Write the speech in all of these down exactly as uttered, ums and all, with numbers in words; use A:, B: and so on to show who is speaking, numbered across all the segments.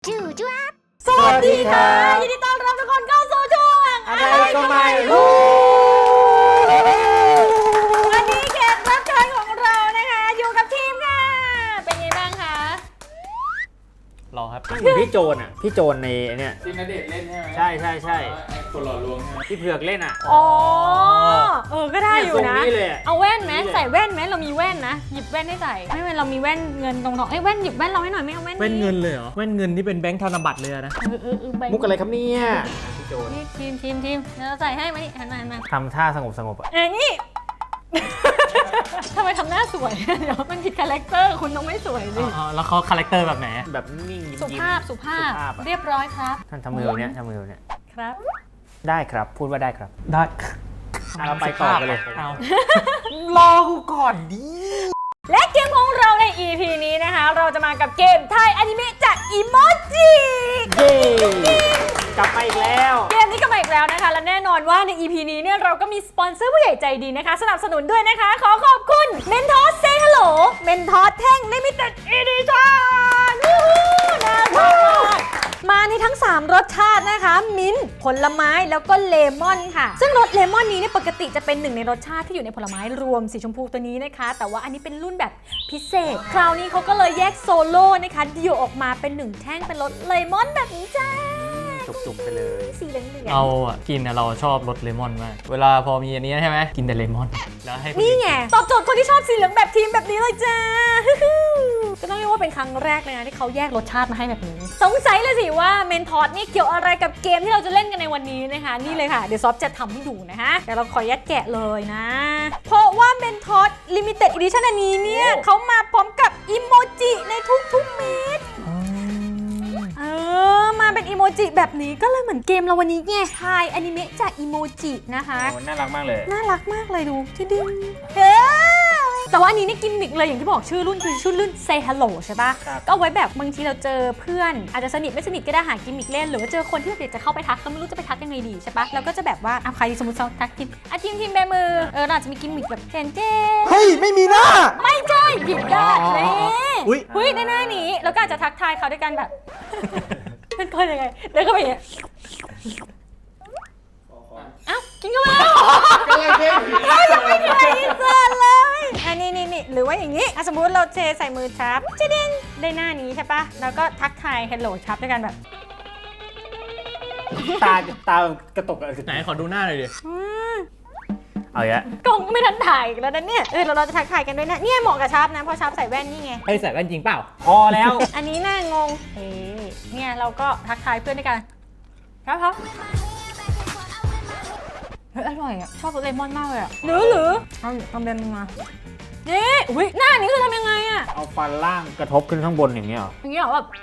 A: จู่จ้า
B: สวัสดีค่ะยินดีต้อนรับทุกคนเข้าสู่ช่วง
C: อะไรก็ไม่รู้
B: วันนี้แขกรับเชิญของเรานะคะอยู่กับทีมค่ะเป็นไงบ้างคะ
C: รอครับ
D: พี่โจนอ่ะพี่โจนในเนี่ย
C: ที่ณเดชน์เล่นใช่ไหม
D: ใช่ใช่ใช่
C: ไอ้คนหล่อลวงใช่ไหม
D: พี่เผือกเล่นอ่ะ
B: อ๋อเออก็ได้อยู่นะ
D: เลย
B: เอาแว่นไหมใส่แว่นไหมเรามีแว่นนะหยิบแว่นให้ใส่ไม่เป็นเรามีแว่นเงินตรงๆเอ้ยแว่นหยิบแว่นเราให้หน่อยไม่เอาแว่น
C: แว่นเงินเลยเหรอแว่นเงินที่เป็นแบงค์ธนบัตรเลยนะ
B: เออเออเออแบงค์
D: มุกอะไรครับเนี่ยพี่โจน
B: นี่ทีมทีมทีมเราใส่ให้มานี่หันมาหันมา
D: ทำท่าสงบสงบอ่ะ
B: เอ้ยนี่ ทำไมทำหน้าสวยเดี๋ยวมันผิดคาแรคเตอร์คุณต้องไม่สวยสิ
C: อ๋อแล้วเขาคาแรคเตอร์แบบไหน
D: แบบนิ่งยิ้ม
B: สุภาพสุภาพเรียบร้อยครับ
D: ท่านทำมือเนี่ยทำมือเนี่ย
B: ครับ
D: ได้ครับพูดว่าได้ครับ
C: ได้
D: เราไปต่อกันเลย
C: เอารอกูก่อนดิ
B: และเกมของเราใน อี พี นี้นะคะเราจะมากับเกมไทยอนิเมะจากอีโมจิ
D: เย้กลับมาอีกแล้ว
B: เกมนี้กลับมาอีกแล้วนะคะและแน่นอนว่าใน อี พี นี้เนี่ยเราก็มีสปอนเซอร์ผู้ใหญ่ใจดีนะคะสนับสนุนด้วยนะคะขอขอบคุณเมนทอสเซฮัลโหลเมนทอสแท่งลิมิเต็ดอีดิชั่นวู้ฮู้น่ารักมาในทั้งสามรสชาตินะคะมิ้นท์ผลไม้แล้วก็เลมอนค่ะซึ่งรสเลมอนนี้เนี่ยปกติจะเป็นหนึ่งในรสชาติที่อยู่ในผลไม้รวมสีชมพูตัวนี้นะคะแต่ว่าอันนี้เป็นรุ่นแบบพิเศษคราวนี้เขาก็เลยแยกโซโล่นะคะเดี่ยวออกมาเป็นหนึ่งแท่งเป็นรสเลมอนแบบนี้จ้า
D: จุกๆไปเลย
B: สีเหลืองๆ
C: เราอ่ะกินนะเราชอบรสเลมอนมากเวลาพอมีอันนี้ใช่ไหมกินแต่เลมอนแล้วให้
B: นี่ไงตอบโจทย์คนที่ชอบสีเหลืองแบบทีมแบบนี้เลยจ้าก็ต้องเรียกว่าเป็นครั้งแรกเลยนะที่เขาแยกรสชาติมาให้แบบนี้สงสัยเลยสิว่าเมนทอสนี่เกี่ยวอะไรกับเกมที่เราจะเล่นกันในวันนี้นะคะนี่เลยค่ะเดี๋ยวซอฟจะทำให้ดูนะคะเดี๋ยวเราขอยัดแกะเลยนะเพราะว่าเมนทอสลิมิเต็ดอีดิชั่นอันนี้เนี่ยเขามาพร้อมกับอีโมจิในทุกๆเม็ดเออมาเป็นอีโมจิแบบนี้ก็เลยเหมือนเกมเราวันนี้ไงทายอนิเมะจากอีโมจินะคะ
D: โอ้น่ารักมากเลย
B: น่ารักมากเลยดูที่ดึงเฮ้แต่ว่าอันนี้นี่กิมมิกเลยอย่างที่บอกชื่อรุ่นคือชื่อรุ่น Say Hello ใช่ปะก็เอาไว้แบบบางทีเราเจอเพื่อนอาจจะสนิทไม่สนิทก็ได้หากิมมิกเล่นหรือว่าเจอคนที่แบบอยากจะเข้าไปทักก็ไม่รู้จะไปทักยังไงดีใช่ปะเราก็จะแบบว่าอ่ะใครสมมติเราทักทีมอ่ะทีมทีมแบมือเออเราจะมีกิมมิกแบบเจนเจ
C: เฮ้ยไม่มีหน้า
B: ไม่ใช่ผิดด้านเลยอุ้ยอุ้ยในหน้านี้แล้วก็อาจจะทักทายเขาด้วยกันแบบเป็นคนยังไงเดินเข้าไปอย่างเงี้ยเอ้ากินเข้ามาแล้วยังไม่มีอะไรอินเสิร์ตเลยอันนี้นี่นี่หรือว่าอย่างนี้สมมุติเราเทใส่มือชับจะดิ้งได้หน้านี้ใช่ปะแล้วก็ทักทาย hello ชับด้วยกันแบบ
D: ตาตากระตุกอะไร
C: ไหนขอดูหน้าหน่อยดิ
D: เอาอย่าง
B: กล้องไม่ทันถ่ายแล้วนะเนี่ยเออเราจะทักทายกันด้วยนะเนี่ยเหมาะกับชับนะเพราะชับใส่แว่นนี่ไง
C: ไอ้ใส่แว่นจริงเปล่า
D: พอแล้ว
B: อันนี้น่างงเฮ้เนี่ยเราก็ทักทายเพื่อนด้วยกันครับครับเฮ้ยอร่อยอ่ะชอบรสเลมอนมากเลยอ่ะหรือหรือเอาทำเป็นมาเย้อุ้ยหน้านี้คือทำยังไงอ่ะ
D: เอาฟันล่างกระทบขึ้นข้างบนอย่างเงี้ยหรอ
B: อย่างเงี้ยหรอแบบ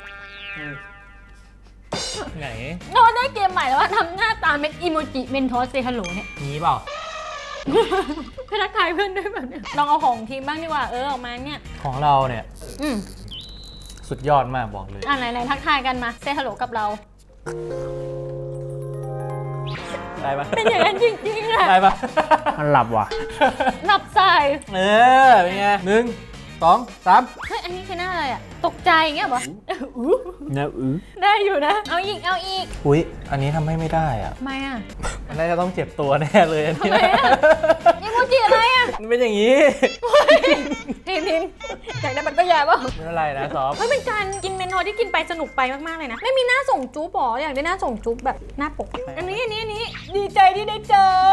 C: ไหน
B: เราได้เกมใหม่แล้วว่าทำหน้าตาเป็นอีโมจิเมนทอสเซฮัลโหลเนี่ย
C: นี้เปล่า
B: เพื่อทักทายเพื่อนด้วยแบบเนี้ยลองเอาของทีมบ้างดีกว่าเออออกมาเนี่ย
C: ของเราเนี่ย
B: อืม
C: สุดยอดมากบอกเลย
B: อ่ะไหนไหนทักทายกันมาเซฮัลโหลกับเรา
C: ได้ปะ
B: เป็นอย่างนั้นจริงๆอะ
C: ได้ปะ
D: มันหลับว่ะ
B: หลับใส่
C: เออเป็นไงหนึ่งสองสาม
B: เฮ้ยอันนี้คือหน้าอะไรอะตกใจอย่างเงี้ยเหรอ
D: อู้นะอื้อ
B: ได้อยู่นะเอาอีกเอาอีก
C: อุ้ยอันนี้ทำให้ไม่ได้อ่ะ
B: ทำไมอ่ะ
C: มันน่าจะต้องเจ็บตัวแน่เลยอันนี้
B: ทำไมอ่ะอีโมจิอะไรอ่ะ
C: มันเป็นอย่างนี้
B: ทีนทีนอยากได้มันก็แย่ป่ะ
C: ไม่เป็นไรนะซอฟ
B: เฮ้ยเป็นการกินเมนูที่กินไปสนุกไปมากๆเลยนะไม่มีหน้าส่งจุ๊บหรออยากได้หน้าส่งจุ๊บแบบหน้าปกอันนี้อันนี้อันนี้ดีใจที่ได้เจอ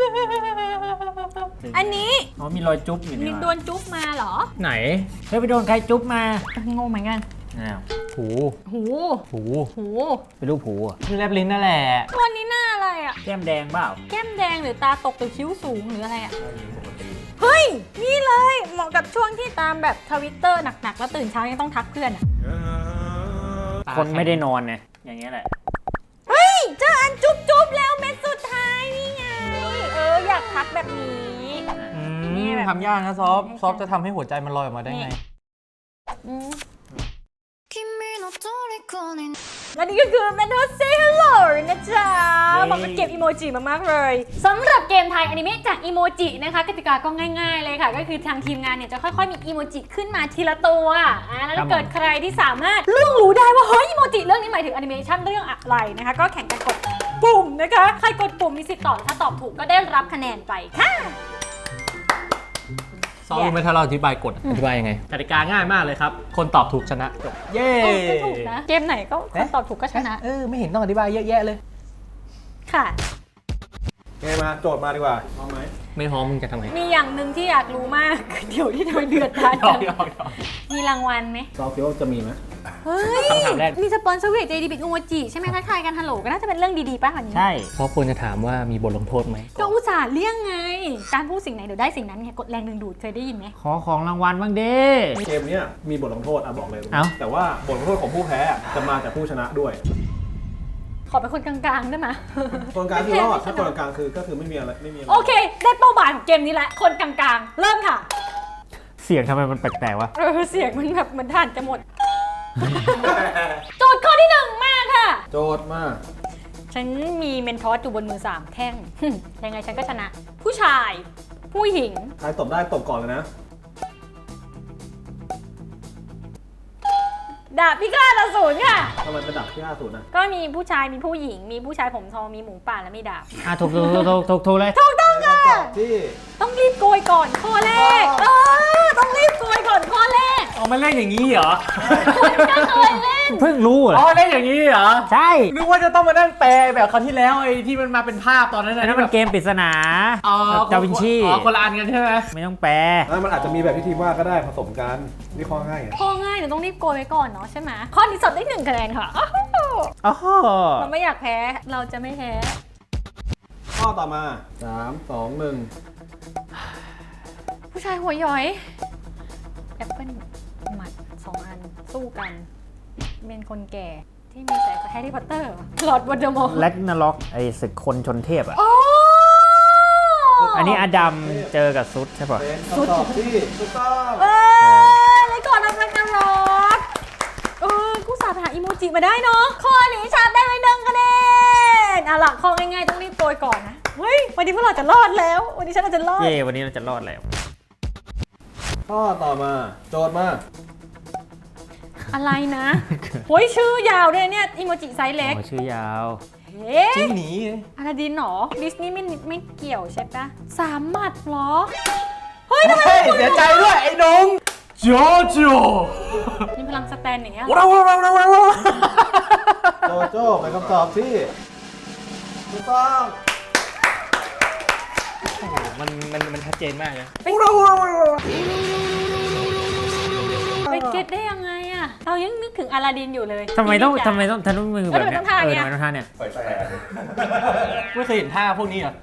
B: อันนี้
D: อ๋อมีรอยจุ๊บอยู่นี่
B: โดนจุ๊บมาเหรอ
C: ไหน
D: เฮ้ยไปโดนใครจุ๊บมาง
B: งเหมือนกัน
D: อ้าว
C: หู
B: หู
C: หู
B: หู
D: เป็นรูปหูอ่ะ
C: คือแลบลิ้นนั่นแหละ
B: ตัวนี้หน้าอะไรอ่ะ
D: แก้มแดงเปล่า
B: แก้มแดงหรือตาตกหรือคิ้วสูงหรืออะไรอ่ะเฮ้ยนี่เลยเหมาะกับช่วงที่ตามแบบทวิตเตอร์หนักๆแล้วตื่นเช้ายังต้องทักเพื่อนอ่ะ
D: คนไม่ได้นอนไงอย่างเงี้ยแหละ
B: เฮ้ยเจออันจุ๊บจุ๊บแล้วเม็ดสุดท้ายนี่ไงเอออยากทักแบบนี้
C: นี่ทำยากนะซอฟซอฟจะทำให้หัวใจมันลอยออกมาได้ไง
B: และนี่ก็คือ Mentos Say Hello นะจ๊ะเหมาะกับเกมอีโมจิมากๆเลยสำหรับเกมไทยอนิเมะจากอีโมจินะคะกติกาก็ง่ายๆเลยค่ะ ก็คือทางทีมงานเนี่ยจะค่อยๆมีอีโมจิขึ้นมาทีละตัวอ่าแล้วถ้าเกิดใครที่สามารถล่วงรู้ได้ว่าเฮ้ยอีโมจิเรื่องนี้หมายถึงแอนิเมชันเรื่องอะไรนะคะก็แข่งกันกดปุ่มนะคะใครกดปุ่มมีสิทธิ์ตอบถ้าตอบถูกก็ได้รับคะแนนไปค่ะ
C: ซอรู้ไหมถ้าเราอธิบายกฎอธิบายยังไงกติกาง่ายมากเลยครับ คนตอบถูกชนะจบเย้
B: เออก็ถูกนะเกมไหนก็คนตอบถูกก็ชนะ
C: เออไม่เห็นต้องอธิบายเยอะแยะเลย
B: ค่ะ
A: ไงมาโจทย์มาดีกว่าพร้อมไหม
C: ไม่พร้อมมึงจะทำไง
B: มีอย่างหนึ่งที่อยากรู้มาก เดี๋ยวที่ทำไมเดือดดาล
C: ยอ
B: จั
C: ก
B: ง
C: ยอกยอก
B: มีรางวัลไหม
A: ซอฟคิดว่าจะมีไหม
B: เฮ้ย
C: คำถามแรก
B: มีสปอนเซอร์เวทเจดีบิกโอโมจิใช่ไหมทักทายกันฮัลโหลก็น่าจะเป็นเรื่องดีๆป่ะวันนี้
D: ใช่
C: เพราะควรจะถามว่ามีบทลงโทษไหม
B: ก็อุตส่าห์เลี่ยงไง การพูดสิ่งไหนเดี๋ยวได้สิ่งนั้นไงกดแรงดึงดูดเคยได้ยินไหม
D: ขอของรางวัลบ้างดิ
A: เกมเนี้ยมีบทลงโทษอ่ะบอกเลย
D: เอ้า
A: แต่ว่าบทลงโทษของผู้แพ้อะจะมาจากผู้ชนะด้วย
B: ขอเป็นคนกลางๆได้ไหม
A: คนกลางคือรอดถ้าคนกลางคือก็คือไม่มีอะไรไม่มีอะไร
B: โอเค ได้เป้าหมายของเกมนี้แล้วคนกลางๆ เริ่มค่ะ
D: เสียงทำไมมันแปลกๆวะ
B: เออเสียงมันแบบเหมือนถ่านจะหมด โจทย์ข้อที่หนึ่งมาค่ะ
A: โจทย์มา
B: ฉันมีเมนทอสอยู่บนมือสามแท่ง ยังไงฉันก็ชนะ ผู้ชาย ผู้หญิง
A: ใครตบได้ตบก่อนเลยนะ
B: ดาบพิฆาตอสูรค่ะ
A: ทำไมเป็นดับที่ห้าศูนย์นะ
B: ก็มีผู้ชายมีผู้หญิง มีผู้ชายผมทองมีหมูป่าและมีดาบ
D: อ่ะถูกถูกถูกถูกถูกถูกเลย
B: ถูกต้องค่ะ
A: ตอบที่
B: ต้องรีบโกยก่อนข้อแรก เออ ต้องรีบโกยก่อนข้อแรก
C: เอามาเล่นอย่างนี้เหรอ
B: คุณก็เคยเล่น
D: เพิ่งรู้เหร
C: อ๋
D: อ
C: อเล่นอย่างนี้เหรอ
D: ใช่
C: นึกว่าจะต้องมานั่งแปลแบบคราวที่แล้วไอ้ที่มันมาเป็นภาพตอนนั้น
D: อันนั้นมันเกมปริศนา
C: อ๋อ
D: ดาวินชี
C: อ๋อคนละอันกันใช่ไหม
D: ไม่ต้องแปล
A: แล้วมันอาจจะมีแบบที่ทีมว่าก็ได้ผสมกันนี่ข้อง่ายไง
B: ข้อง่ายเดี๋ยวต้องรีบโกยไว้ก่อนเนาะใช่ไหมข้อนี้สอบได้หนึ่งคะแนนค่ะอ้าว
D: อ๋อ
B: เราไม่อยากแพ้ เราจะไม่แพ้
A: ข้อต่อมาสามสองหนึ่ง
B: ผู้ชายหัวย้อยแอปเปิ้ลหมัดสองอันสู้กัน เป็นคนแก่ที่มีสายแฮร์รี่พอตเตอร์หลอดวอลเดอมอร์
D: แล็กนาล็อกไอ้ศึกคนชนเทพอ่ะ
B: โอ้
D: อันนี้อดัมเจอกับซุดใช่ป่ะ
A: เป็นคำตอบที่ถูกต้อง
B: เอ้ยเลยก่อนนะแม็กนาล็อกเออกูสาบหาอีโมจิมาได้เนาะข้อนี้ชาร์ปได้ไปหนึ่งคะแนนอ่ะหลักข้อง่ายๆต้องรีบโกยก่อนนะเฮ้ยวันนี้พวกเราจะรอดแล้ว วันนี้ฉันน่าจะรอด
D: เย่วันนี้เราจะรอดแล้ว
A: ข้อต่อมาโจทย์มา
B: อะไรนะโอ้ยชื่อยาวด้วยเนี่ยอีโมจิไซส์เล็ก
D: อ๋อชื่อยาว
B: เฮ้ย
C: จริงหนี
B: อาราดินเหรอดิสนีย์ไม่ไม่เกี่ยวใช่ปะสามหมัดเหรอ เฮ้ยทำไม
C: เฮ้ยเสียใจด้วยไอ้นงโจโจ
B: มีพลังสแตนอย่างเงี้ย
C: ว้าวว้าวว้าวว้าว
A: โจโจ้เป็นคำตอบที่ถูกต้อง
C: มันมันมันชัดเจนมากเลย
B: ไปเก็ตได้ยังไงอะเรายังนึกถึงอาราดินอยู่เลย
D: ทำไมต้อง
B: พี่จ๋า
D: ทำไมต้องทำต้องมือแบบเนี้ย
B: เออทำไมต้องท่า
D: เออ
B: เนี้ย
D: ทำไมต้องท่าเนี่ย
C: ไม่เคยเห็นท่าพวกนี้เหรอ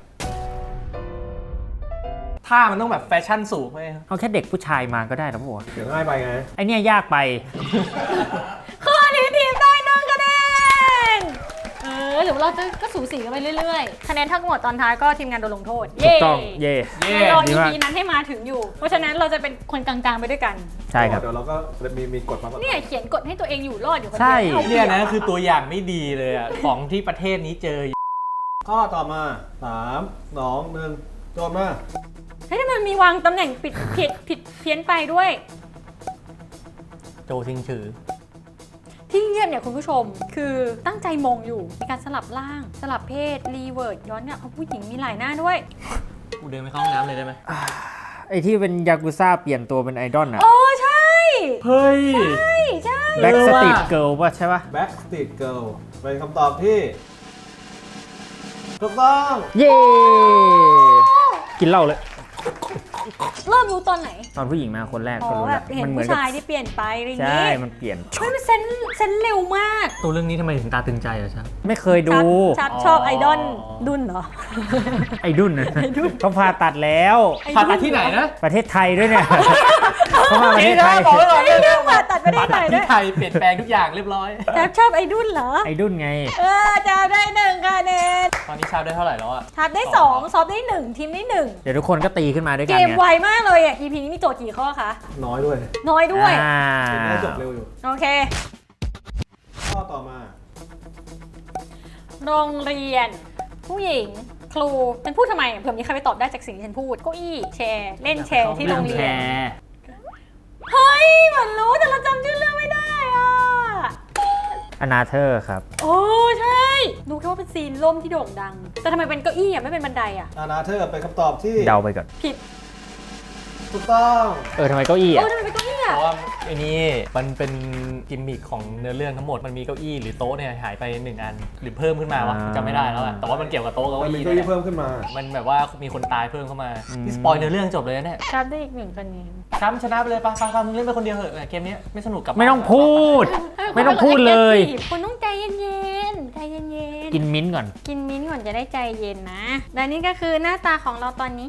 C: ท่ามันต้องแบบแฟชั่นสูงไหม
D: เอาแค่เด็กผู้ชายมาก็ได้แล้วป่ะ
A: เดี๋ยวง่ายไปไง
D: ไอเนี่ยยากไป
B: ข้อนี้ทีมได้หนึ่งคะแนนเออหรือว่าเราจะก็สูสีกันไปเรื่อยๆ คะแนนทั้งหมดตอนท้ายก็ทีมงานโดนลงโทษ
D: ถูกต้อง เย่
C: เย่
B: รอ
D: ดี
B: อี
D: มาก
B: พีนั้นให้มาถึงอยู่ เพราะฉะนั้นเราจะเป็นคนกลางๆไปด้วยกัน
D: ใช่ครับ
A: เดี๋ยวเราก็มีมีกฎมาก่อน
B: เนี่ยเขียนกฎให้ตัวเองอยู่รอดอยู่คน
D: ใช่
B: เดียว
C: เนี่ยนะคือตัวอย่างไม่ดีเลยอ่ะ ของที่ประเทศนี้เจอ
A: ข้อต่อมาสามสองหนึ่งโจทย์มา
B: เฮ้ยทำไมมันมีวางตำแหน่งผิดผิดผิดเพี้ยนไปด้วย
C: โจทิงถือ
B: ที่เงียบเนี่ยคุณผู้ชมคือตั้งใจมองอยู่มีการสลับร่าง สลับเพศรีเวิร์ดย้อนเนี่ยเอาผู้หญิงมีหลายหน้าด้วย
C: กูเดินไปเข้าห้องน้ำเลยได้ไหม
D: ไอที่เป็นยากุซ่าเปลี่ยนตัวเป็นไอดอลอะ
B: โอ้ใช่
C: เฮ้ย
B: ใช่ใช่
D: แบ็ก
C: เออ
D: ส
C: ว่ะ
D: ตรีทเกิลป่ะใช่ป่ะ
A: Backstreet Girl เป็นคำตอบที่ถูกต้อง
D: เย่กินเหล้าเลย
B: เริ่มรู้ตอนไหน
D: ตอนผู้หญิงมาคนแรก
B: อ๋
D: ก็
B: อ
D: รู้
B: แบ
D: แล้ว
B: บเห็น
D: มันเหมือ
B: ผู้
D: นกับ
B: ชายที่เปลี่ยนไปอะไรอย่าง
D: ใช่
B: งี้
D: มันเปลี่ยน
B: เฮ้ยมันเซนเซนเร็วมาก
C: ตัวเรื่องนี้ทำไมถึงตาตึงใจอะชัก
D: ไม่เคยดู
B: ชับชอบไอดอลดุนเหรอ
D: ไอดุนนะเขาผ่าตัดแล้ว
C: ผ่าตัดที่ไหนนะ
D: ประเทศไทยด้วยเนี่ยเขามาประเทศไทย
C: บอกไว้ก่อน
B: ไอ้เรื่องผ่าตัดไม่ได้
C: ผ่า
B: ไหน
C: ตัด
B: ด้ว
C: ที่
B: ย
C: ไทยเปลี่ยนแปลงทุกอย่างเรียบร้อย
B: แทบชอบไอดุนเหรอ
D: ไอดุนไง
B: เออจะได้หนึ่งคะแนน
C: ตอนนี้ชาได้เท่าไหร่แล้วอะ
B: ทับได้สองซอฟได้หนึ่งทีมได้หนึ่ง
D: เดี๋ยวทุกคนก็ตีขึ้นมาด้วย
B: เก
D: กัน
B: ม
D: ไง
B: ไวมากเลยอ่ะ อี พี นี้มีโจทย์กี่ข้อคะ
A: น้อยด้วย
B: น้อยด้วย
D: อ่า
A: ได้จบเร็วอยู่
B: โอเค
A: ข้อต่อมา
B: โรงเรียน ผู้หญิง ครูเป็นพูดทำไมเผื่อมีใครไปตอบได้จากสิ่งที่ฉันพูดเก้าอี้แชร์เล่นแชร์ที่โรงเรีย
D: แช
B: น
D: ร์
B: เฮ้ยเหมือนรู้แต่เราจำชื่อเรื่องไม่ได้อ่ะ
D: อนาเธอร์ครับ
B: โอ้ใช่รู้แค่ว่าเป็นซีนล่มที่โด่งดัง แต่ทำไมเป็นเก้าอี้อ่ะไม่เป็นบันไดอ่ะ
A: อานาเธอร์เป็นคำตอบที่
D: เดาไปก่อน
B: ผิด
A: ถูกต้อง
D: เออทำไมเก้าอี้
B: เอ
D: อ่ะ
B: อทำไมเป็นเก้าอี้
C: เพ
B: อ่ะ
C: ราะว่าไอ้นี่มันเป็นกิมมิคของเนื้อเรื่องทั้งหมดมันมีเก้าอี้หรือโต๊ะเนี่ยหายไปหนึ่งอันหรือเพิ่มขึ้นมาวะจำไม่ได้แล้วอะแต่ว่ามันเกี่ยวกับโต๊ะกับ
A: มัน
C: เก้า
A: มี
C: อี้
A: เก้าอี้
C: เนี่ย
A: เพิ่มขึ้นมา
C: มันแบบว่ามีคนตายเพิ่มเข้ามาที่สปอยเนื้อเรื่องจบเลยนะเนี่ย
B: ครับได้อีกหนึ่งคะแนน
C: ช้ำชนะไปเลยปะปะปะมึงเล่นไปคนเดียวเหอะเกมนี้ไม่สนุกกับ
D: ไม่ต้องพูด ไม่ต้องพูดเลย
B: คุณต้องใจเย็นๆใจเย็นๆ
D: กินมิ้นท์ก่อน
B: กินมิ้นท์ก่อนจะได้ใจเย็นนะและนี่ก็คือหน้าตาของเราตอนนี้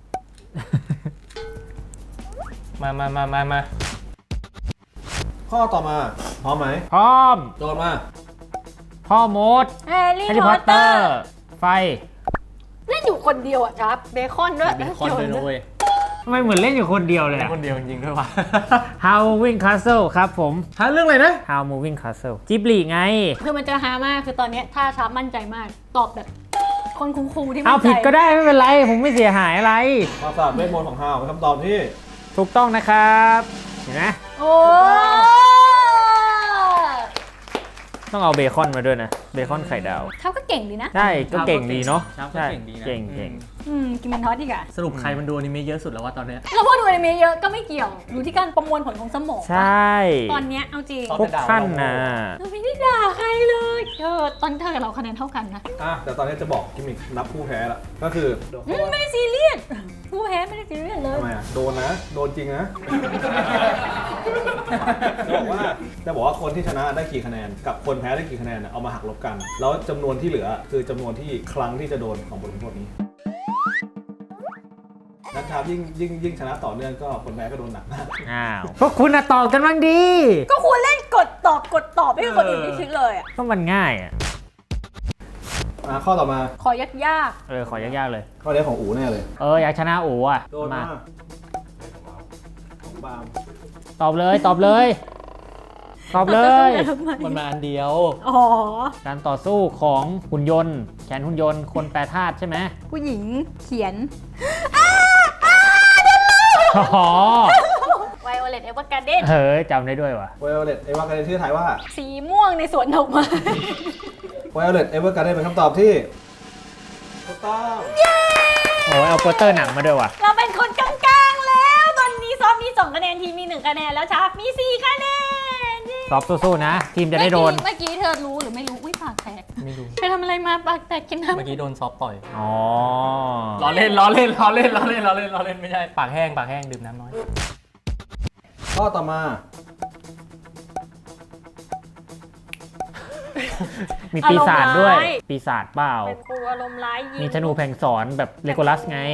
C: มามามามามา
A: ข้อต่อมาพร้อมไหม
D: พร้อม
A: โจทย์มา
D: พ่อมด
B: แฮร์รี่
D: แฮร์รี่
B: พ
D: พ
B: อ
D: อ
B: ต
D: ต
B: เต
D: เต
B: อ
D: อ
B: ร์
D: ร์ ไฟ
B: เล่นอยู่คนเดียวอ่ะครับเบคอนด้วย
C: เบคอนด้วยนะเว้ย
D: ทำไมเหมือนเล่นอยู่คนเดียวเลย
C: เล่น
D: อะ
C: คนเดียวจริงๆด้วยวะ
D: How Moving Castle ครับผม
C: ฮะเรื่องอะไรนะ
D: How Moving Castle จิบลีไง
B: คือมันจะฮามากคือตอนเนี้ยถ้าชาร์ปมั่นใจมาก ตอบแบบคนคูลๆที่มั่
D: เอา
B: นใจ
D: ผิดก็ได้ไม่เป็นไร ผมไม่เสียหายอะไร
A: ความสะอาดเวทมนต์ของฮาวเป็นคำตอบที่
D: ถูกต้องนะครับ เห็นไหม
B: โอ้
D: ต้องเอาเบคอนมาด้วยนะ เบคอนไข่ดาว
B: เขาก็เก่งดีนะ
D: ใช่ ก็เก่งดีเนาะ
C: ครับก็
D: ใช่
C: เก่งดีนะ
D: เก่งเก่ง
B: อืมกินเป็นทอสดีกว่า
C: สรุปใครมันดูอนิเมะเยอะสุดแล้ววะตอนเนี้ย
B: แล้วพอดูอนิเมะเยอะก็ไม่เกี่ยวดูที่การประมวลผลของสมอง
D: ใช่
B: ตอนเนี้ยเอาจริง
D: พวกท่านนะ
B: เราไม่ได้ด่าใครเลยเออตอนเธอกับเราคะแนนเท่ากันนะ
A: อ่ะแต่ตอนนี้จะบอกกิมมิคนับผู้แพ้ละก็คือ
B: อืมไม่ได้ซีเรียสผู้แพ้ไม่ได้ซีเรียสเลย
A: ทำไมอ่ะโดนนะ โดนจริงนะ จะบอกว่าจะบอกว่าคนที่ชนะได้กี่คะแนนกับคนแพ้ได้กี่คะแนนน่ะเอามาหักลบกัน แล้วจำนวนที่เหลือคือจำนวนที่ครั้งที่จะโดนของบทลงโทษนี้นะครับยิ่งยิ่งยิ่งชนะต่อเนื่องก็คนแพ้ก็โดนหนักมาก
D: อ้าว พวกคุณอะตอบกันบ้างดี
B: ก็ควรเล่นกดตอบกดตอบไม่ให้คนอื่นที่คิดเลยอ่ะ
D: ก็มันง่ายอ่ะ
A: อ่ะข้อต่อมา
B: ขอยากยาก
D: เออ ขอยากๆเลย
A: ข้อนี้ของอูแน่เลย
D: เออ อยากชนะโอ้อะ
A: โดน
D: มา
A: มาของบาม
D: ตอบเลย ตอบเลย ตอบเลย
C: มันมาอันเดียว
B: อ๋อ
D: การต่อสู้ของหุ่นยนต์ แขนหุ่นยนต์ คนแปรธาตุใช่ไหม
B: ผู้หญิงเขียน
D: อ๋อ
B: ไวโอเลตเอเวอร์การ์เดน
D: เฮ้ยจำได้ด้วยวะ
A: ไวโอเลตเอเวอร์การ์เดนชื่อไทยว่า
B: สีม่วงในสวนดอกไม้
A: ไวโอเลตเอเวอร์การ์เดนเป็นคำตอบที่ถูกต้อง
D: โอ้ยเอาโปสเตอร์หนังมาด้วยวะ
B: เราเป็นคนกลางๆแล้ว ตอนนี้ซอฟมีสองคะแนนทีมมีหนึ่งคะแนนแล้วชาร์ปมีสี่คะแนน
D: ซอฟสู้ๆนะ ทีมจะได้โดน
B: เมื่อกี้เธอรู้หรือไม่รู้ อุ้ยปากแตก
C: ไม่รู้
B: ไปทำอะไรมาปากแตกกินน้ำ
C: เมื่อกี้โดนซอฟต่อย
D: อ๋อ
C: ล้อเล่นล้อเล่นล้อเล่นล้อเล่นล้อเล่นล้อเล่นไม่ใช่ปากแห้งปากแห้งดื่มน้ำน้อย
A: ข้อต่อมา
D: มีปีศาจด้วย ปีศาจเปล่า
B: เป็นครูอารมณ์ร้ายยิง
D: มีธนูแผงสอนแบบเลโกลัสไง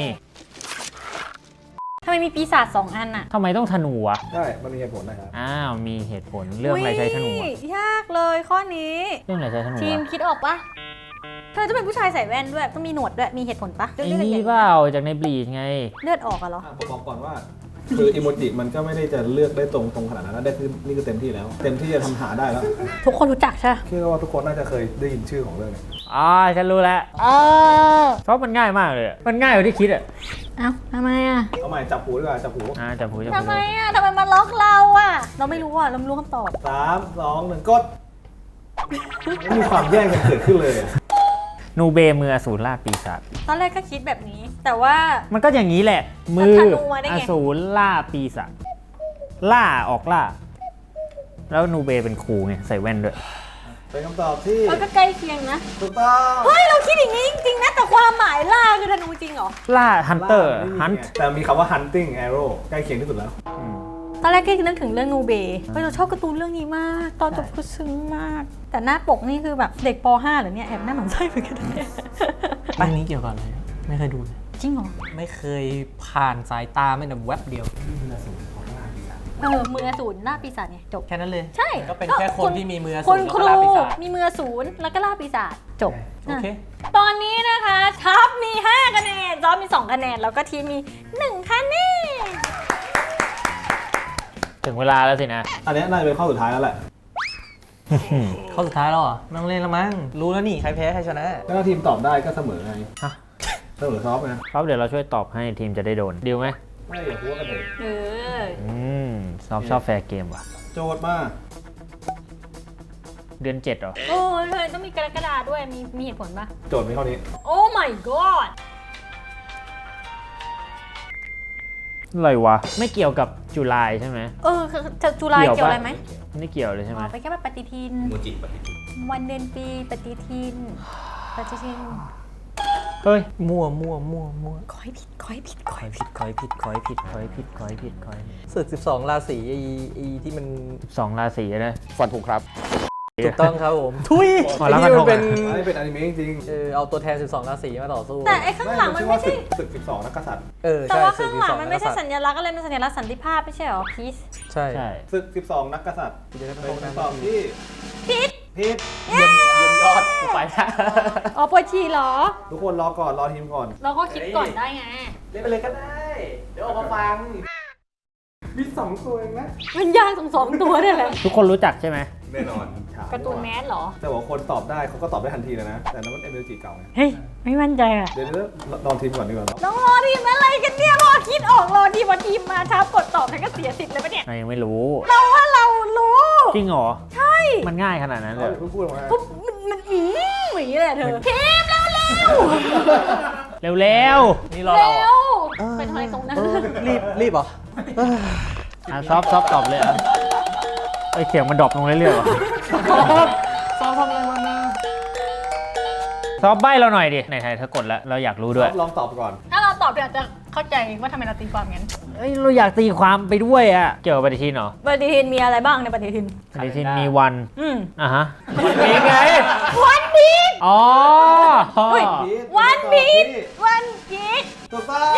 B: ทำไมมีปีศาจสองอันอะ
D: ทำไมต้องธนูอ่ะ
A: ใช่ มันมีเหตุผลนะครับ
D: อ้าว มีเหตุผล เรื่องอะไรใช้ธนู
B: อุ๊
D: อะ
B: ยยากเลยข้อนี้
D: เรื่องอะไรใช้ธนู
B: ทีม
D: อะ
B: คิดออกปะเธอจะเป็นผู้ชายใส่แว่นด้วยต้องมีหนวดด้วยมีเหตุผลปะ
D: ไอ้
B: เลือด
D: นี่
B: ใหญ่
D: เปล่าจากในบลีชไง
B: เลือดออกอะเหรอ
A: อ่ะผมบอกก่อนว่า คืออิโมจิมันก็ไม่ได้จะเลือกได้ตรงตรงขนาดนั้นนะได้คือนี่คือเต็มที่แล้ว เต็มที่จะทำหาได้แล้ว
B: ทุกคนรู้จักใช่ปะ
A: คิดว่าทุกคนน่าจะเคยได้ยินชื่อของเรื่องนี้
D: อ๋อ ฉันรู้แล้วเพราะมันง่ายมากเลยอะมันง่ายกว่าที่คิดอ่ะ
B: เอ้าทำไมอะ
A: เอาใหม่จับหูดีกว่าจับหู
D: อ่าจับหูจับ
B: ทำ
D: หู
B: ไมอะทำไมมาล็อกเราอะเราไม่รู้อะเราไม่รู้คำตอบ
A: สามสองหนึ่งกดไม่มีความแย่งกันเกิดขึ้นเลยอะ
D: นูเบมืออสูรล่าปีศาจ
B: ตอนแรกก็คิดแบบนี้ แต่ว่า
D: มันก็อย่างนี้แหละ มือ
B: ธนูมาได้ไง
D: อสูรล่าปีศาจล่าออกล่า แล้วนูเบเป็นครูไงใส่แว่นด้วย
A: เป็นคำตอบที่
B: เราก็ใกล้เคียงนะ
A: ถูกต้อง
B: เฮ้ยเราคิดอย่างนี้จริงๆนะแต่ความหมายล่าคือธนูจริงเหรอ
D: ล่าฮันเตอร์
A: ไม่มี
D: ฮัน
A: ไงแต่มีคำว่า hunting arrow ใกล้เคียงที่สุดแล้ว
B: ตอนแรกก็นึกถึงเรื่องนูเบย์เฮ้ยเราชอบการ์ตูนเรื่องนี้มาก ตอนจบคือซึ้งมาก แต่หน้าปกนี่คือแบบเด็กป .ห้า เหรอเนี่ยแอบหน้าหมันไส้เหมือนกันนะเนี่ย
C: เรื่องนี้เกี่ยวกับอะไรอะไม่เคยดูเลย
B: จริงเหรอ
C: ไม่เคยผ่านสายตาไม่แต่แวบเดียว
B: เออมืออสูรล่าปีศาจไงจบ
C: แค่นั้นเลย
B: ใช่
C: ก็เป็นแค่คนที่มีมือ
B: คน
C: สูง
B: ครู
C: แล้วก็ลาปีศาจ
B: มีมืออสูรแล้วก็ล่าปีศาจจบ
C: โอเค
B: ตอนนี้นะคะทัพมีห้าคะแนนจอมมีสองคะแนนแล้วก็ทีมมีหนึ่งคะแนน
D: ถึงเวลาแล้วสินะ
A: อันเนี้ยน่าจะเป็นข้อสุดท้ายแล้วแหละ
C: เข้าสุดท้ายแล้วเหรอไม่ต้องเล่นแล้วมั้งรู้แล้วนี่ใครแพ้ใครชนะ
A: ถ้าทีมตอบได้ก็เสมอไง
D: ฮะ
A: เสมอซอฟต์ไง
D: ครับเดี๋ยวเราช่วยตอบให้ทีมจะได้โดนดีลไหม
A: ไม่อย่าพูดกันเลย
B: เออ
D: อืมซอฟชอบแฟร์เกมว่ะ
A: โจทย์มา
D: เดือนเจ็ดเหรอ
B: โอ้ยเลยต้องมีกรกฎาด้วยมีมีเหตุผลปะ
A: โจทย์มีเท่านี้
B: โอ้ my god
D: อะไรวะ ไม่เกี่ยวกับจุลายใช่ไหม
B: เออคือจะจุฬา
D: เกี่ยวปะ
B: เกี่ยวอะไรไหม
D: ไม่เกี่ยวเลยใช่ไหม
B: อ๋อไปแค่แบบปฏิทิน
E: โมจิปฏิทิน
B: วันเดือนปีปฏิทินปฏิทิน
D: เฮ้ย
C: มั่วมั่วมั่วมั่ว
B: ขอให้ผิดขอให้ผิดขอ
D: คอ
B: ให้
D: ย
B: ผิ
D: ผิ
B: ด
D: ดคอยผิดคอยผิดคอยผิดคอยผิดคอยผิดคอย
C: ศึกสิบสองราศีไอ้ไอ้ที่มัน
D: สองราศีนะ
E: ฟันถูกครับ
C: ถูกต้องครับผมทุย
D: อ๋อ
C: ไอ้
D: แล้ว
C: ที่
D: มัน
C: มันเป็น
A: อันนี้เป็นอนิเมะจริง
C: เออเอาตัวแทนสิบสองราศีมาต่อสู้
B: แต่ไอ้ข้างหลังมันไม่ใช่
A: ศึกสิบสองนักกษัตริย์
C: เออ
B: แต่
C: ใช่
B: ว่า
C: ศึ
B: ข้าก งหลัง
C: สิบสอง
B: มันไม่ใช่
C: กษัต
B: สั
C: ริย์
B: ญลักษณ์อะไรมันสัญลักษณ์สันติภาพไม่ใช่เหรอพีซ
C: ใช่
D: ใช่
A: ศึกสิบสองนักกษัตริย์
C: เดี๋ยวจะ
A: เป็น
C: เป็น
A: คำตอบที่
B: ผิด
A: ผิด
C: เยี่ยมเยี่ยมยอดกูไปแล้ว
B: อ๋อปวดฉี่เหรอ
A: ทุกคนรอก่อนรอทีมก่อน
B: เราก็คิดก่อนได้ไง
C: เล่นไปเลยก็ได้ เดี๋ยวออกมาฟัง
A: มีสองตัวเองนะ
B: มันยากสองสองตัวเนี่ยแหละ
D: ทุกคนรู้จักใช่ไหม
A: แน่นอน
B: การ์ตูนแมสเหรอ
A: แต่ว่าคนตอบได้เขาก็ตอบได้ทันทีเลยนะ แต่นั้นมันเอเมจิเก่าไง
B: เฮ้ย ไม่มั่นใจอ่ะ
A: เดี๋ยวเดี๋ยวลองทีมก่อนดีกว่า
B: น้องรอทีมอะไรกันเนี่ยพอคิดออกรอทีมวันทีมมาช้ากดตอบแล้วก็เสียสิทธิ์เลยปะเนี่ย
D: เรายังไม่รู้
B: เราว่าเรารู้
D: จริงเหรอ
B: ใช่
D: มันง่ายขนาดนั้นเลย
A: เพิ่งพูดออกมา
B: ปุ๊บมันมันอืมอย่างนี้เลยอะเธอทีมเร็วเร็ว
D: เร็ว
C: นี่รอ
B: เร็
C: เรา
B: ว
C: อ่ะ
B: เป็นอะไรตรงนั้น
C: รีบรีบเหรอ
D: ๆอ่ะซอฟซอฟตอบเลยอ่ะไอยเสียงมันดรอปลงเรื่อยๆว่ะ
C: ซ้อมทำอะไรมานะ
D: ซอฟใบเราหน่อยดิไหนๆเธอกดแล้วเราอยากรู้ด้วย
A: ลองตอบก่อน
B: ถ้าเราตอบเดี๋ยวจะเข้าใจว่าทำไมเราตีความงั้น
D: เอ้ยเราอยากตีความไปด้วยอ่ะเกี่ยวกับปฏิทินเหรอ
B: ปฏิทินมีอะไรบ้างในปฏิทิน
D: ปฏิทินมีวัน
B: อืม
D: อ่ะฮะวันพีชไง
B: วันพีช
D: อ๋อ
B: เฮ้ย วันพีชวันพีช
A: ถูกต้อง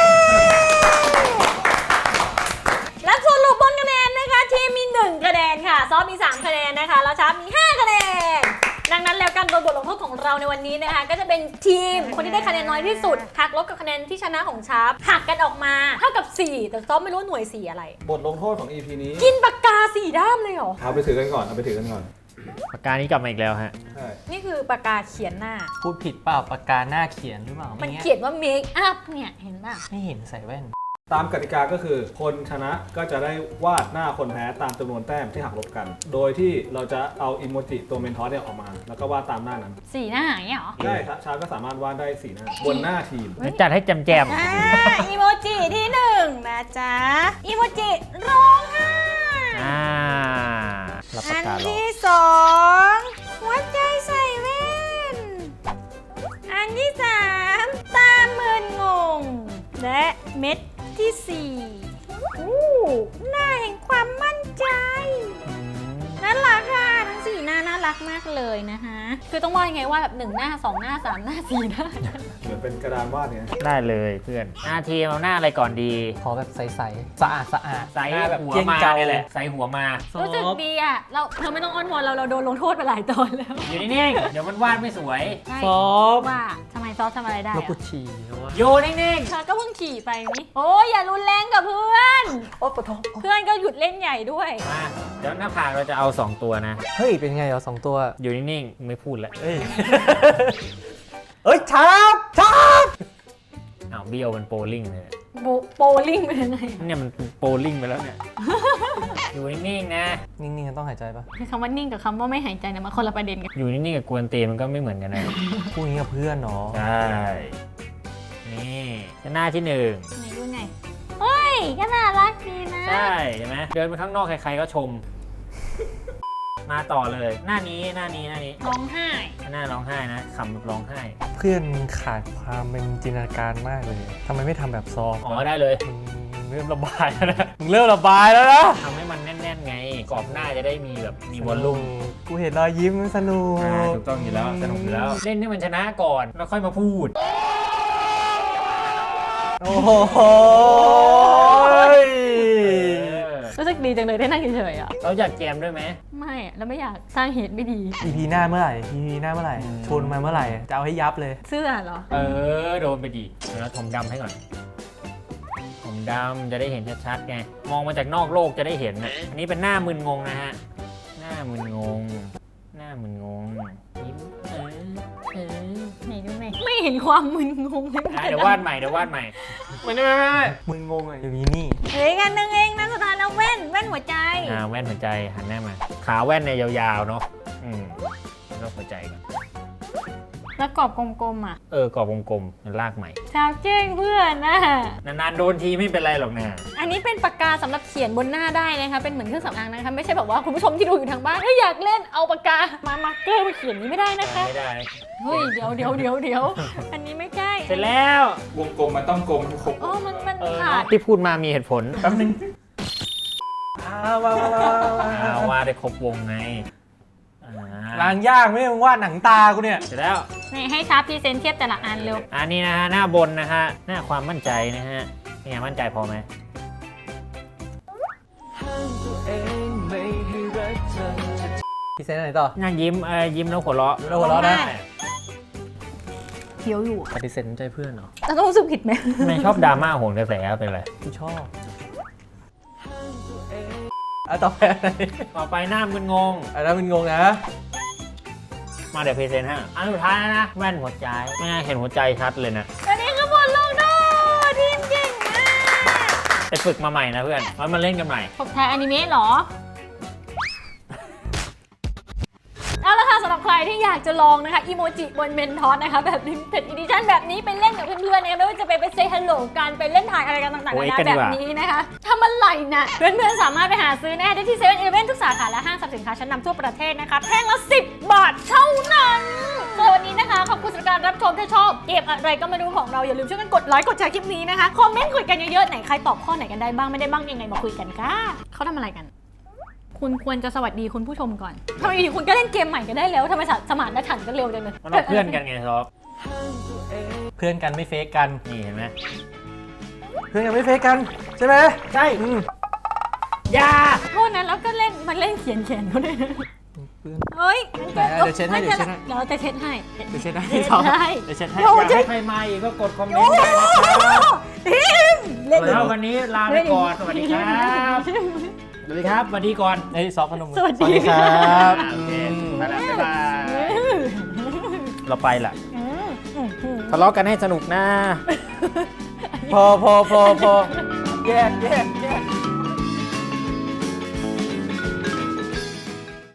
B: และสรุปบนคะแนนนะคะทีมมีหนึ่งคะแนนค่ะซอฟมีสามคะแนนนะคะแล้วชาร์ปมีห้าคะแนน ดังนั้นแล้วการโดนบทลงโทษของเราในวันนี้นะคะก็จะเป็นทีมคนที่ได้คะแนนน้อยที่สุดหักลบกับคะแนนที่ชนะของชาร์ปหักกันออกมาเท่ากับสี่แต่ซอฟไม่รู้หน่วยสีอะไร
A: บทลงโทษของ อี พี นี้
B: กินปากกาสี่ด้ามเลยเหรอ
A: เอาไปถือกันก่อนเอาไปถือกันก่อน
D: ปากกานี้กลับมาอีกแล้วฮะ
A: ใช่
B: นี่คือปากกาเขียนหน้า
C: พูดผิดเปล่าปากกาหน้าเขียนหรือเปล่า
B: มัน
C: ไงี้
B: เขียนว่า make up เนี่ยเห็นป่ะ
C: ไม่เห็นใส่แว่น
A: ตามกติกาก็คือคนชนะก็จะได้วาดหน้าคนแพ้ตามจำนวนแต้มที่หักลบกัน โดยที่เราจะเอาอิโมจิตัวเมนทอสเนี่ยออกมา แล้วก็วาดตามหน้านั้น
B: สี่หน้าอย่างเงี้ยเหรอ
A: ได้ครับชาร์ปก็สามารถวาดได้สี่หน้าบนหน้าทีม
D: จัดให้แจมแจม
B: อ่าอีโมจิที่หนึ่งนะจ๊ะอีโมจิร้องไห้
D: ๆอ่ารับ
B: อั
D: ปาก
B: น
D: การอ
B: ที่สองหัวใจใส่แว่น อันที่สามตามึนงง และเม็ดที่สี่อู้หน้าแห่งความมั่นใจน่ารักค่ะทั้งสี่หน้าน่ารักมากเลยนะคะคือต้องว่ายังไงว่าแบบหนึ่งหน้าสองหน้าสามหน้าสี่หน้า
A: เหมือนเป็นกระดานวาดเนี่ย
D: ได้เลยเพื่อนหน้าทีมเอาหน้าอะไรก่อนดี
C: ขอแบบใสๆสะอาดสะอาด
D: ใส่
C: หน้าแบบ
D: หัว
C: เกลี้ยง
D: มา
C: เกา
D: เนี่ยแหละใส่หัวมา
B: รู้สึกดีอ่ะเราเธอไม่ต้องอ้อนวอนเราเราโดนลงโทษไปหลายตอนแล้ว
D: อยู่นิ่งๆเดี๋ยวมันวาดไม่สวย
B: ใช่
C: ซอฟ
B: ว่าทำไมซอสทำอะไรได้
C: แล้ว
B: อะ
C: กูฉี่นะวะ
D: อยู่นิ่ง
B: เธอก็เพิ่งขี่ไปนี่โอ้ยอย่ารุนแรงกับเพื่อน
C: โอ๊ยปะท้อง
B: เพื่อนก็หยุดเล่นใหญ่ด้วย
D: ๆมาเดี๋ยวหน้าผากเราจะเอาสองตัวนะ
C: เฮ้ย เป็นไงเหรอสองตัว
D: อยู่นิ่งๆไม่พูดแล้ว
C: เอ้ย เอ้ยชาร์ปชาร์ป
D: อ้าวเบี้ยวมันโปลิ่งเลย
B: โบโปลิ่งเป็นยังไง
D: เนี่ยมันโปลิ่งไปแล้วเนี่ย อยู่นิ่งๆนะ
C: นิ่งๆต้องหายใจปะ
B: คือคำว่านิ่งกับคำว่าไม่หายใจเนี่ยมันคนละประเด็นกัน
D: อยู่นิ่งๆกับกวนตีนมันก็ไม่เหมือนกันนะ
C: พูดอย่างนี้กับเพื่อนเนาะ
D: ใช่นี่หน้าที่หนึ่ง
B: ไหนดูไงเฮ้ยก็น่ารักดีนะ
D: ใช่เห็นไหมเดินไปข้างนอกใครๆก็ชม มาต่อเลย หน้านี้หน้านี้หน้านี้
B: ร้องไห้
D: หน้าร้องไห้นะขำแบบร้องไห้
C: เพื่อนมึงขาดความเป็นจินตนาการมากเลยทำไมไม่ทำแบบซอฟต์
D: อ๋อได้เลย
C: มึงเริ่มระบายแล้วนะมึงเริ่มระบายแล้วนะ
D: ทำให้มันแน่นๆไงกรอบหน้าจะได้มีแบบมีวอลลุ่ม
C: กูเห็นรอยยิ้มสนุก
D: อ่าถูกต้องอยู่แล้วสนุกอยู่แล้ว เล่นให้มันชนะก่อนแล้วค่อยมาพูด
C: โอ้โห
B: รู้สึกดีจังเลยได้นั่งเฉยๆอ่ะ
D: เราอยากแจมด้วยไหม
B: ไม่อะแล้วไม่อยากสร้างเหตุไม่ดี
C: อีพีหน้าเมื่อไหร่ อีพีหน้าเมื่อไหร่
D: อืม
C: ชวนมาเมื่อไหร่ จะเอาให้ยับเลย
B: เสื้อเหรอ
D: เออโดนไปดีแล้วถมดำให้ก่อนถมดำจะได้เห็นชัดๆไงมองมาจากนอกโลกจะได้เห็นนะอันนี้เป็นหน้ามึนงงนะฮะหน้ามึนงง หน้ามึนงงยิ้มเออเออ
B: ไหนดูหน่อยไม่เห็นความมึนงงเลย
D: อ่ะเดี๋ยววาดใหม่เดี๋ยววาดใหม่
C: ไม่ไม่ไม่ไม่มึงงงอะอยู่นี่นี่
B: เฮ้ยกันนึงเองนะสุดท้ายแล้วแว่นแว่นหัวใจ
D: อ่าแว่นหัวใจหันหน้ามา ขาแว่นเนี่ยยาวๆเนาะอืมแล้วก็หัวใจก่อน
B: แล้วกรอบกลมๆอ่ะ
D: เออกรอบวงๆมันลากใหม่
B: ชาวเจ้งเพื่อนนะ
D: นานๆโดนทีไม่เป็นไรหรอกนะ
B: อันนี้เป็นปากกาสำหรับเขียนบนหน้าได้นะคะเป็นเหมือนเครื่องสำอางนะคะไม่ใช่แบบว่าคุณผู้ชมที่ดูอยู่ทางบ้านเอ้ยอยากเล่นเอาปากกามามาร์กเกอร์มาเขียนนี้ไม่ได้นะคะ
D: ไม่ได้
B: เฮ้ยเดี๋ยวเดี๋ยวเดี๋ยวเดี๋ยวอันนี้ไม่ใช่
D: เสร็จแล้ว
A: วงกลมมันต้องกลมทุกครบ
B: อ๋อมันมัน
D: เออ
B: ขาด
D: ที่พูดมามีเหตุผล
C: แป๊บนึงอ้าวว้าวว้าวว้าวว้าว
D: อ่าว่าได้ครบวงไงอ่า
C: ล้างยากไม่มึงวาดหนังตากูเนี่ย
D: เสร็จแล้ว
B: นี่ให้ชาร์ปพรีเซนต์เทียบแต่ละอันเร็ว
D: อันนี้นะฮะหน้าบนนะฮะหน้าความมั่นใจนะฮะเป็นไงมั่นใจพอไหม
C: พี่เซนอะไรต่อ
D: หน้ายิ้มเออยิ้มแล้วหัวเราะ
C: แล้วหัวเราะนะ
B: เขียวอยู่
C: ปฏิเสธใจเพื่อนเหรอ
B: เราต้องรู้สึกผิดไหม
D: ไม่ชอบดราม่าโหนกระแสเป็นไร
C: กูชอบอ่ะต่อไปอะไร
D: ต่อไปหน้ามึนงง
C: อันนั้นมึงงงนะ
D: มาเดี๋ยวพรีเซนต์ฮะอันสุดท้ายนะ แว่นหัวใจไม่น่าเห็นหัวใจชัดเลยนะ
B: อันนี้คือบทลงโทษทีมเก่งมาก
D: ไปฝึกมาใหม่นะเพื่อนไว้มาเล่นกันใหม่
B: ตบท้ายอนิเมะเหรอ เอาละค่ะสำหรับใครที่อยากจะลองนะคะอีโมจิบนเมนทอสนะคะแบบลิมิเต็ดอีดิชั่นแบบนี้ไปเล่นกับเพื่อนๆนะคะไม่ว่าจะไปไปเซฮัลโหลกันไปเล่นถ่ายอะไรกันต่างๆ
D: โอ้ย
B: นา
D: กัน
B: นา
D: ดี
B: แบ
D: กว่า
B: บนี้นะคะทำอะไรนะเพื่อนๆสามารถไปหาซื้อนะคะได้ที่เซเว่นอีเลฟเว่นทุกสาขาและห้างสรรพสินค้าชั้นนำทั่วประเทศนะคะแท่งละสิบบาทเท่านั้นสำหรับวันนี้นะคะขอบคุณสำหรับการรับชมถ้าชอบเกมอะไรก็ไม่รู้ของเราอย่าลืมช่วยกันกดไลค์กดแชร์คลิปนี้นะคะคอมเมนต์คุยกันเยอะๆไหนใครตอบข้อไหนกันได้บ้างไม่ได้บ้างยังไงมาคุยกันค่ะเขาทำอะไรกัน คุณควรจะสวัสดีคุณผู้ชมก่อนทำไมอยู่ดีคุณก็เล่นเกมใหม่กันได้แล้วทำไมสมานฉันท์กันเร็วจังเลย
D: มันเราเพื่อนกันไงซอฟ
C: เพื่อนกันไม่เฟกกัน
D: นี่เห็นไหม
C: เพื่อนกันไม่เฟกกันใช่ไหม
D: ใช่
C: อืม
D: ยา
B: โทษนะแล้วก็เล่นมันเล่นเขียนเขียนเขาด้วยนะ
C: เพื่อน
B: เฮ้ย
C: ไหนเดี๋ยวเช็ดให้เดี๋ยวเช็ดให้
B: เดี๋ยวเราจะเช็ดให้
C: เดี๋ยวเช็ดให้
B: เช็ด
C: สอง
B: ให้
C: เดี๋ยวเช็ดให้
B: โอ้
D: อยากให้ใครมาอีกก็กดคอมเมนต์ได้นะครับ
B: ทีมเล่น
D: แล้ววันนี้ลาไปก่อนสวัสดีครับสวัสดีครับสวัสดีก่อน
C: ไอ้ซอฟพนมมือ
B: สวัสดี
C: ครับ
D: โอเคไปแล้วบ๊ายบายเราไปละ
B: อืมอืมอืม
D: ทะเลาะกันให้สนุกนะ
C: พอพอพอพอแยกแยก